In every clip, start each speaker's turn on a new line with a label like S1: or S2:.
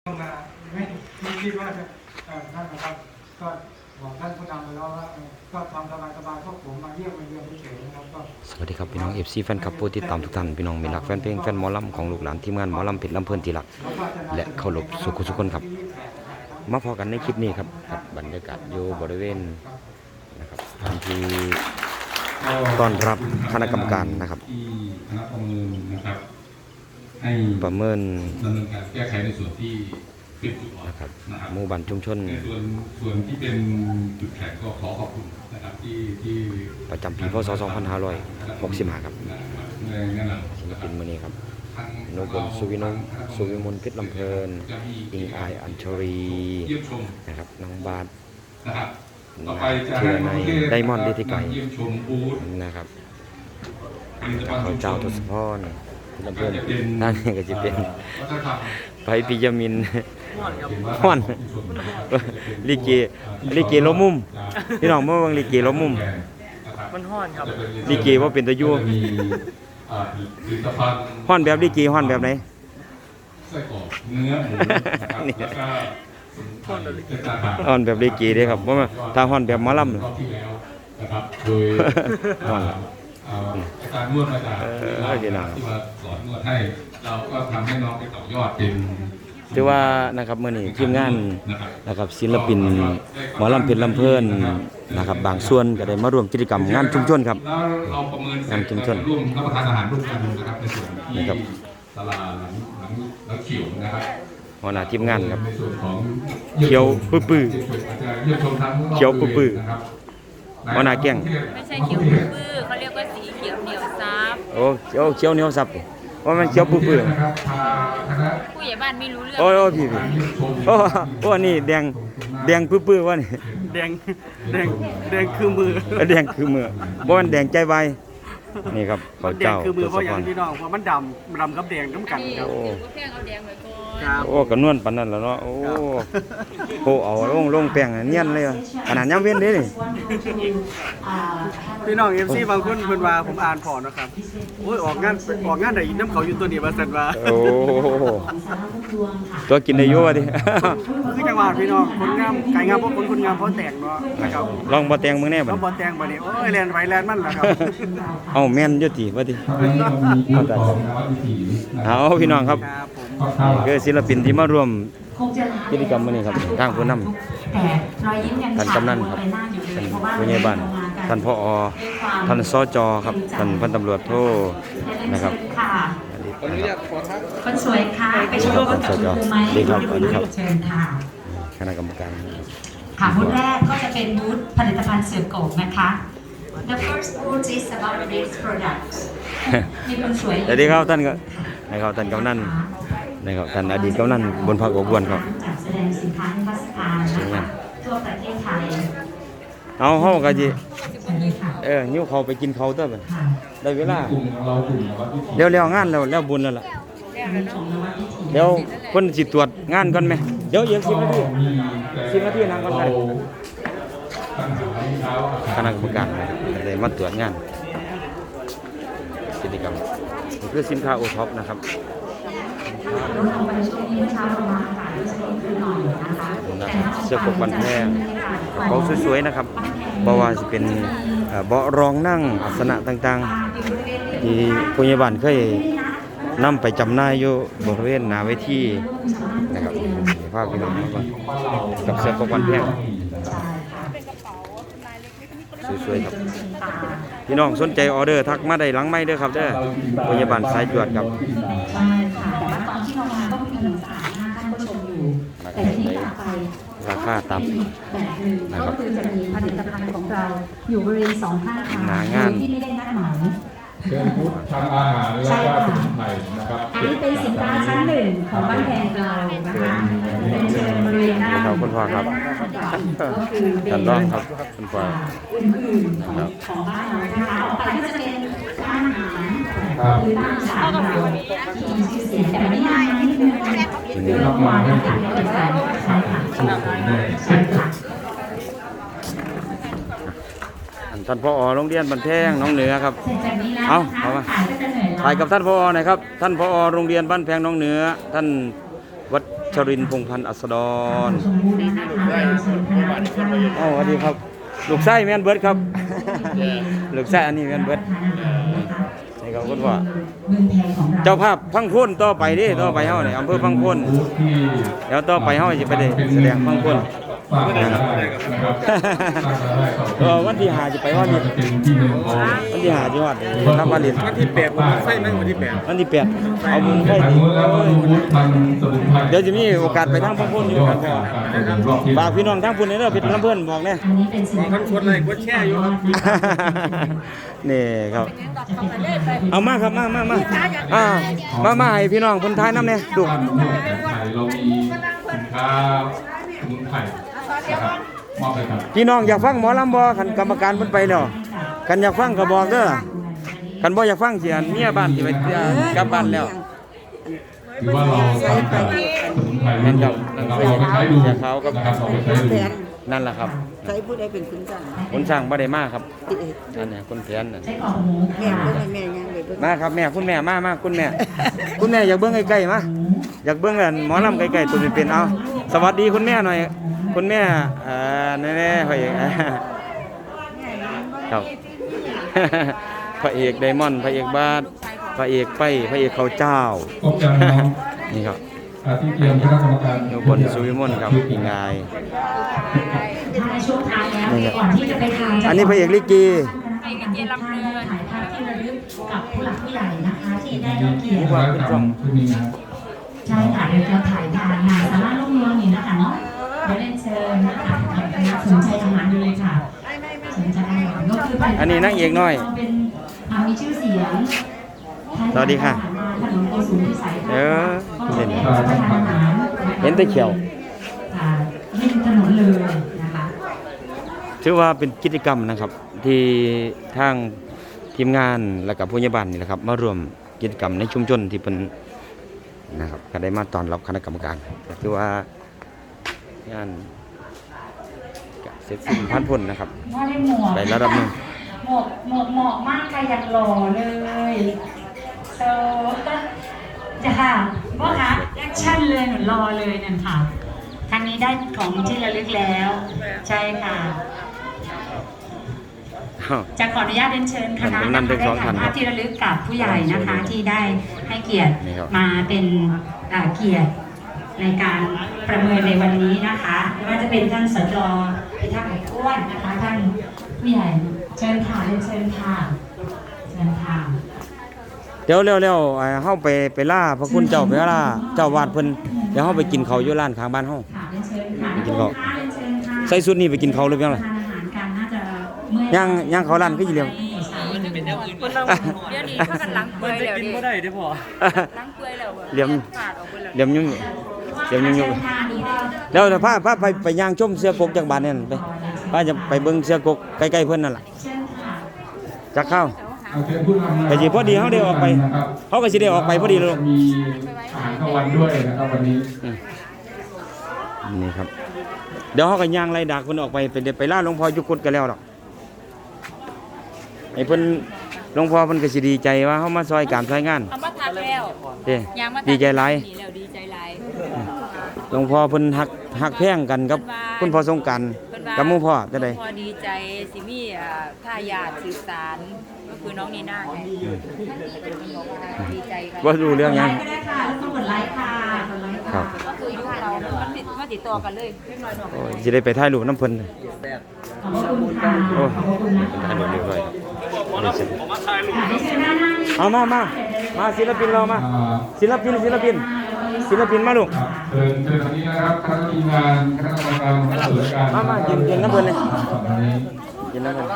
S1: มาไม่คิดว่าจะท่านนะครับก็บอกท่านผู้นำไปแล้วว่าก็ทำสบายๆพวกผมมาเยี่ยมมาเยือนเฉยๆนะครับก็
S2: สวัสดีครับพี่น้อง FC แฟนคลับผู้ติดตามทุกท่านพี่น้องมีรักแฟนเพลงแฟนหมอลำของลูกหลานทีมงานหมอลำเพชรลำเพลินที่รักและเคารพสุขคนครับมาพอกันในคลิปนี้ครับบรรยากาศอยู่บริเวณนะครับทางที่ต้อนรับคณะกรรมการนะครับ
S3: ที่คณะประเมินนะครับให้
S2: ประเมิน
S3: ดำเนินการแก้ไขในส่วนที่เป็นจุดอ่อน
S2: นะครับ
S3: นะครับ
S2: หมู่บ้านชุมชน
S3: ในส่วนที่เป็นจุดแข็งก็ขอขอบคุณนะครับที่
S2: ประจำปีพศ2565ครับ
S3: ในงานหลัง
S2: ศิลปินมื้อนี้ครับนพบลสุวิมลเพชรลำเพลินอิงอายอัญชรีนะครับน้องบาส
S3: นะครับต่อไปจะ
S2: เชื่อในไดมอนด์ลิธิไก
S3: เยี่ยมชมบูธ
S2: นะครับเขาเจ้าทศพรลำเพลินนั่นก็จะเป็นไปปิยมินฮ้อนลิเกล้มมุมพี่น้องเมื่อวันลิเกล้มมุม
S4: มันฮ้อนครับ
S2: ลิเกว่าเป็นตะยูฮ้อนแบบลิเกฮ้อนแบบไหน
S3: ไส้กรอกเนื้อหมูแล้วก็
S2: ฮ้อนแบบลิเกเด้ครับเพราะว่าถ้าฮ้อนแบบหมอลำ
S3: นะครับโดย
S2: ฮ้อน
S3: การนวดมาจากที่มาสอนนวดให้เราก็ทำให้น้องไปต่อยอดเป็น
S2: ถือว่านะครับเมื่อนี้ทีมงานนะครับศิลปินหมอลำเพชรลำเพลินนะครับบางส่วนก็ได้มาร่วมกิจกรรมงานชุมชนครับ
S3: งานชุมชนร่วมรับประทานอาหารร่วมกันนะครับในส่วนที่ตลาดหลังเขียวนะครับ
S2: หัวหน้าทีมงานครับเขียวปื้อเขียวปื้อหัวหน้าแก้ง
S4: ไม่ใช่เขียวปื้อเขาเรียกว่าสีเขียวเหนียวซับ
S2: โอ้เขียวเหนียวซับว่ามันเขียวปื้อ
S4: ผู้ใหญ่บ้านไม่รู้เรื่อง
S2: โอ้พี่โอ้นี่แดงปื้อว่านี่
S4: แดงคือมือ
S2: แดงคือมือบ่มันแดงใจใบนี่ครับเขาเจ้า
S4: คือมือเพราะอย่างพี่น้องเพราะมันดำกับแดงน้ำกันครับโอ้แป้งเอาแดงไว้ก่อน
S2: โอ้กระนวลปานนั้นแล้วเนาะโอ้เอาลงแป้งเนียนเลยขนาดยามเว้นเด้นี่
S4: พี่น้อง FC บางคนเพิ่นว่าผมอ่านพอนะครับโอ้ยออกงานได้น้ำเขาอยู่ตัวนี้ว่าซั่นว่า
S2: โอ้ตัวกินได้อยู่ว่าดิ
S4: คือจังหวัดพี่น้องคนงามไก่งามเพราะคนงามเพราะแต่งเนาะนะครับ
S2: ลองบ่แต่งมึงแน่บัด
S4: บ่แต่งบัดนี้โอ้ยแล่นไปแล่นมันล่ะครับ
S2: เอาแม่นอยู่ติว่าดิเอาพี่น้องครับคือศิลปินที่มาร่วมกิจกรรมมื้อนี้ครับทางผู้นำท่านกำนันครับท่านผู้ใหญ่บ้านท่านผอ.ท่านสจ.ครับท่านพันตำรวจโทนะครับ
S5: คนสวยค่ะไปชมกับคุณครูไหม
S2: ดีครับ
S5: เชิญค่ะ
S2: คณะกรรมการ
S5: ค่ะบูธแรกก็จะเป็นบูธผลิตภัณฑ์เสือโกกนะคะ The first booth is about these products มีคนสวย
S2: สวัสดีครับท่านก็นะครับท่านกำนันนะครับท่านอดีตกำนันบนภาคอบวนครับ
S5: จัดแสดงสินค้านิทรรศการนะคะทั่วประเทศไทย
S2: เอาเฮาก็สิหิวเขาไปกินเขาเด้อบัดได้เวลาแล้วงานแล้วบุญแล้วล่ะเดี๋ยวเพิ่นสิตรวจงานก่อนไหมเดี๋ยวอีก10 นาทีนั่งก่อนได้คณะกรรมการได้มาตรวจงานกิจกรรมนี่คือสินค้าโอท็อปนะครับเสื้อปกบันแพงเบาสวยๆนะครับเพราะว่าจะเป็นเบาะรองนั่งอาสนะต่างๆที่ผู้ใหญ่บ้านเคยนำไปจำหน่ายอยู่บริเวณหน้าเวทีนะครับภาพพี่น้องกับเสื้อปกบันแพงสวยๆครับพี่น้องสนใจออเดอร์ทักมาได้หลังไม้เด้อครับเด้อผู้ใหญ่บ้านสายจวดครับ
S5: ใช่ค่ะตอนที่เรามาก็มี1 3 5ท่านผู้ชมอยู่แต่ที่ต่อไป
S2: ราคาต่ำ
S5: แบบนึงก็คือจะมีผลิตภัณฑ์ของเราอยู่บริเวณ2 ข้างทางที่ไม่ได้นัดหมาย
S3: เป็นบูธทางอาหารและก็สมุนไพรนะครับ
S5: อันนี้เป็นสินค้าชั้น1ของบ้านแพงเรานะคะเป็นเชิญบริเวณหน้า
S2: คุณพ่อครับท่านรองครับคุณพ่อ
S5: อื่นๆของบ้านเรานะคะต่อไปก็จะเป็นร้านอาหารหรือร้านอาหารเราที่มีชื่อเสียงแต่ไม่ง่ายนิดนึงคือเราวางในการเอกสารใช่ค่ะใช่ค่ะ
S2: ท่านผอ.โรงเรียนบ้านแพงน้องเหนือครับเอามาถ่ายกับท่านผอ.หน่อยครับท่านผอ.โรงเรียนบ้านแพงน้องเหนือท่านชรินทร์พงษ์พันธ์อัสดรอ๋อสวัสดีครับลูกไส้แม่นเบิร์ดครับ ลูกไส้อันนี้แม่นเบิร์ดนี่ครับคุณพ่อเจ้าภาพพังพ้นต่อไปดิต่อไปเฮาเนี่ยอำเภอพังพ้นเดี๋ยวต่อไปเฮาจะไปได้แสดงพังพ้นวันที่5จะไปว่ามีวันที่5จังหวัดรับมาเรียน
S4: วันที่8ผมใส่แม่งวันที่8
S2: วันที่8เอาบุญไฟเดี๋ยวจะมีโอกาสไปทางพังพ้นอยู่กันพ่อฝากพี่น้องทางพุ่นเด้อเป็นเพื่อนบอกแน่
S4: มันชวนเลยกดแช่อยู่ครับ
S2: นี่ครับเอามาครับมาให้พี่น้องคนไทยน้ำเนี่ยดู
S3: เรามีสินค้าสมุนไพรนะครับมอบให้ครับ
S2: พี่น้องอยากฟังหมอลำบ่คันกรรมการเพิ่นไปแล้วคันอยากฟังก็บอกเด้อคันบ่อยากฟังเสียเมียบ้านสิไปกลับบ้านแล้ว
S3: ถือว่าเราใช้สมุนไพร
S2: นั่นครับ
S3: เราเอาไปใช้ดู
S2: เสียขาวกับ
S3: นะครับเอาไปใช้ดู
S2: นั่นแหละครับ
S6: ใช้ผู้ใดเป็นคุณจ้าง
S2: คนสร้างบ่ได้มาครับนั่นน่ะคนแขนน่ะ
S5: ใช้ของหมู
S6: แม่เพิ่นให้แม่ยังเลยเพิ่น
S2: มาครับแม่คุณแม่มาคุณแม่คุณแม่อยากเบิ่งใกล้ๆมาอยากเบิ่งหมอลำใกล้ๆตัวเป็นๆเอาสวัสดีคุณแม่หน่อยคุณแม่แน่ๆพ่อเอกครับ พระเอกไดมอนด์พระเอกบาสพระเอกไปพระเอกเขาเจ้า
S3: ครบจังน้อง
S2: นี่ครับ
S3: ที่เตรียมคณะกรรมการ
S2: อยู่บนสุวิมลครับอีกงาย
S5: ในช่วงท้ายแล้วก่อนที่จะไปทาน
S2: อันนี้พระเอกลิเก
S5: ไปกันเย็นลำเพลินถ่ายภาพที่ระลึกกับผู้หลักผู้ใหญ่นะคะที่ได้รับเกียรติ
S3: ว่าขึ้นชุดนี้นะครับ
S5: ใช่ค่ะเดี๋ยวจะถ่ายทานงานสาระลูกเมืองนี่นะคะเนาะเดี๋ยวเล่นเชิญนะคะสนใจอาหารอยู่เลยค่ะสนใจอาหารก็คือเป็น
S2: อันนี้นางเอกน้อย
S5: เป็นมีชื่อเสียง
S2: สวัสดีค่ะ
S5: ถนนโกสุมพิสัย
S2: เออ
S5: เห็
S2: เห็
S5: น
S2: น
S5: อาหาร
S2: เห็นแต่เขียว
S5: ริมถนนเลยนะคะ
S2: ถือว่าเป็นกิจกรรมนะครับ ที่ทางทีมงานและกับผู้ใหญ่บ้านนี่แหละครับมารวมกิจกรรมในชุมชนที่เป็นนะครับก็ได้มาต้อนรับคณะกรรมการก็ถือว่างานก็เสร็จสิ้นผ่านพ้นนะครับ
S5: ว่าได้หมวก
S2: ไประดับหนึ่ง
S5: หมวกเหมาะมากค่ะอยากหล่อเลยโซจะค่ะพ่อคะแอคชั่นเลยหนูรอเลยนั่นค่ะทางนี้ได้ของที่ระลึกแล้ว ใช่ค่ะ
S2: อ้าว
S5: จะขออนุญาตเรียนเชิญคณะ
S2: ท่านกำนันทั้งสองท่าน
S5: ภาพที่ระลึกกับผู้ใหญ่นะคะที่ได้ให้เกียรติ
S2: นี่ครับ
S5: มาเป็นเกียรติในการประเมินในวันนี้นะคะไม่ว่าจะเป็นท่านสจพิทักษ์ไอ้อ้วนนะคะท่านผู้ใหญ่เชิญค่ะเรียนเชิญค่ะเชิญค่ะ
S2: เดี๋ยวเร็วๆเฮาไปล่าพระคุณเจ้าไปล่าเจ้าวาดเพิ่นเดี๋ยวเฮาไปกินข้าวอยู่ร้านข้างบ้านเฮา
S5: ค่ะเรียนเชิญค่ะ
S2: ไปกินข้าว
S5: เรียนเชิญค่ะ
S2: ใส่ชุดนี้ไปกินข้าวหรือยังล่ะ
S5: ทานอาหารกันน่าจะเมื่อย
S2: ย่างเขาร้านคือสิเลี้ยง
S7: เดี๋ยวนี้พากันล้างเปลือยแล้วดิ
S4: บ่ได้เด้อพ่อ
S7: ล้างเปลือยแล้ว
S2: เหลี่ยม
S7: ขาดออกไปแล้ว
S2: เหลี่ยมยุ่งเหลี่ยมยุ่งๆแล้วพาไปย่างชมเสือกกจากบ้านนั่นไปพาจะไปเบิ่งเสือกกใกล้ๆเพิ่นนั่นล่ะ
S5: เชิญค่ะ
S2: จักเข้า
S3: เอาเชิญผู้นำ
S2: แต่สิพอดีเฮาได้ออกไปเขาก็สิได้ออกไปพอดีเลย
S3: มีอาหารกลางวันด้วยนะครับวันนี้
S2: นี่ครับเดี๋ยวเฮาก็ย่างไล่ดักเพิ่นออกไปไปล่าหลวงพ่ออยู่กุดกันแล้วดอกไอ้เพิ่นหลวงพ่อเพิ่นก็สิดีใจว่าเฮามาซอยการซอยงาน
S7: เอามาทักแล้ว
S2: เด้
S7: ยางมาทัก
S2: ดีใจหลาย
S7: นี่แล้วดีใจหลาย
S2: หลวงพ่อเพิ่นฮักแพงกันกับคุณพ่อสงกรานต์
S7: เพิ่นว่า
S2: กับหมู่พ่อจังได๋
S7: พอดีใจสิมีทายาทสืบสารก็คือน้องนีน่าไงดีใจกัน
S2: บ่รู้เรื่องหยัง
S5: ก็ได้ค่ะต้องกดไลค์ค่ะกดไลค์
S2: ครั
S5: ค่ะ
S2: บ
S7: ก็คือยุคเรามาติดต่อกันเลยเล็กน้อยหน่อย
S2: โอ้ยสิได้ไปถ่ายรูปน้ำเพิ่น
S5: ขอบคุณค่ะ
S2: โอ้ย
S5: ขอบคุณนะ
S2: ถ่ายรูปเรียบร้อย
S5: ค่ะได้เชิญด้านหน้านี้
S2: เอามาศิลปินเรามาศิลปินมาลูก
S3: ครับเชิญวันนี้นะครับคณะทีมงานคณะกรรมการผู้ตรวจการ
S2: มายืนน้ำเพิ่นเลย
S3: วันนี้
S2: ยินน้ำเพิ่น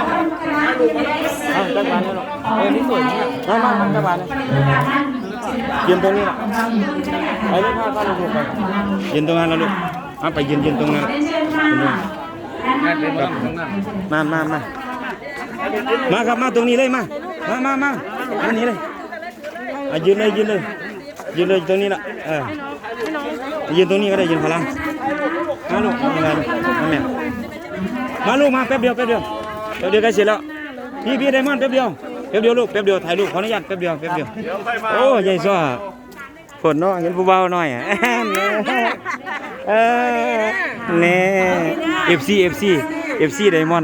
S2: เอาจักบานเลยลูกนี่สวยมาจักบานเลยยืนตรงนี้ล่ะไปเลยพาลูกไปยืนตรงนั้นแล้วลูกเอาไปยืนตรงนั้น
S5: เรียนเชิญค่ะด้านหน้า
S2: มาครับมาตรงนี้เลยมาอันนี้เลยยืนเลยตรงนี้ละยืนตรงนี้ก็ได้ยืนพลังมาลูกยังไงมาแม่มาลูกมาแป๊บเดียวใกล้เสร็จแล้วพี่ไดมอนด์แป๊บเดียวลูกแป๊บเดียวถ่ายรูปขออนุญาตแป๊บเดียวโอ้ยายซ้อฝนเนาะเห็นผู้เบาหน่อยอ่ะเออแน่ FC Diamond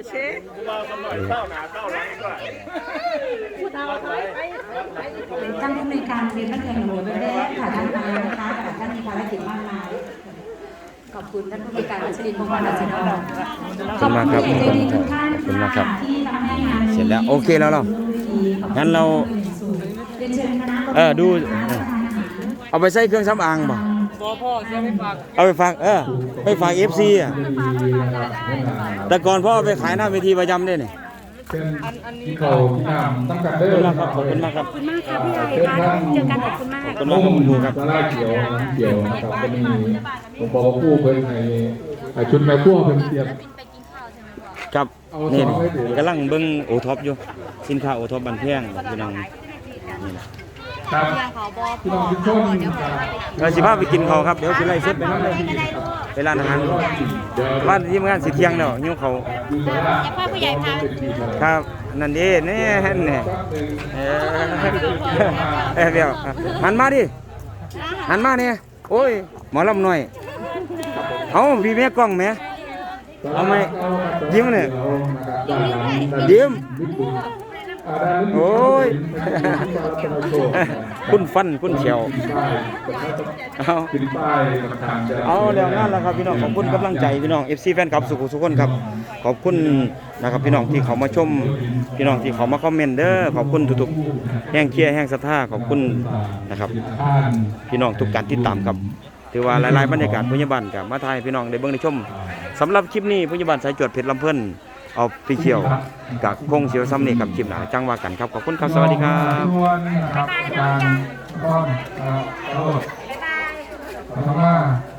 S5: ท่านผู้ในวยการเรียนบ้านเมืองหลวงแรกค่ะท่านมานะคะท่านมีภารกิจมากมายขอบคุณท่านผู้ในวยการวัชรินทร์พงศ์วรรณศิลป์ขอบคุณใจดีทุกท่านค่ะที่ทำให้งาน
S2: เสร็จแล้วโอเคแล้วเรางั้นเรา
S5: เรียนเชิญคณะ
S2: ดูเอาไปใส่เครื่องสำอางบ่พ่อจะไม่ฝากเอาไปฝากไปฝาก FC อ่ะแต่ก่อนพ่อเอาไปขายหน้าเวทีประจำด้วยนี่
S3: เป็นที่เขาที่นำตั้งกันเด้อ
S2: ขอบคุณมากครับ
S5: ขอบคุณมากค่ะพี่ใหญ่ค่ะเจอกันขอบคุณมาก
S2: ขอบคุณมากครับคุณครูครับ
S3: สาราเขียวน้ำเขียวนะครับก็มีผมบอกว่าผู้เพิ่นให้ชุดแม่พวกเพิ่นเตรียม
S2: ครับนี่กำลังเบิ่งโอท็อปอยู่สินค้าโอท็อปบันแพงพี่น้องนี่นะครับ
S3: พี่น้องทุกคนครับ
S2: เราสิพาไปกินข้าวครับเดี๋ยวสิไล่เสร็จไปนั่นเลยไปร้านอาหารบ้านที่ทำงานสิเที่ยงแล้วหิวข้าว
S5: พ่อผู้ใหญ่พา
S2: ครับนั่นเด้แน่แน่เดี๋ยวหันมาดิหันมาเนี่ยโอ้ยหมอลำหน่อยเอาพี่แม่กล้องแม่เอาไหมยิ้มเนี่ยยิ้มโอ้ยคุณฟันคุณเฉียวเอาเดี๋ยวงั้นแล้วครับพี่น้องขอบคุณกำลังใจพี่น้อง FC แฟนคลับสุขุสุขคนครับขอบคุณนะครับพี่น้องที่เขามาชมพี่น้องที่เขามาคอมเมนต์เด้อขอบคุณทุกๆแห่งเชียร์แห่งศรัทธาขอบคุณนะครับพี่น้องทุกการติดตามครับถือว่าหลายๆบรรยากาศพยาบาลกับมาถ่ายพี่น้องได้เบิ่งได้ชมสำหรับคลิปนี้พยาบาลสายจวดเพชรลำเพิ่นเอาพี่เขียวกับคงเสียวซ้ำนี่กับคลิปหนาจังว่ากันครับขอบคุณครับสวัสดีครับ
S3: ทุกวันนะครับการป้อนโทษขอบคุณมาก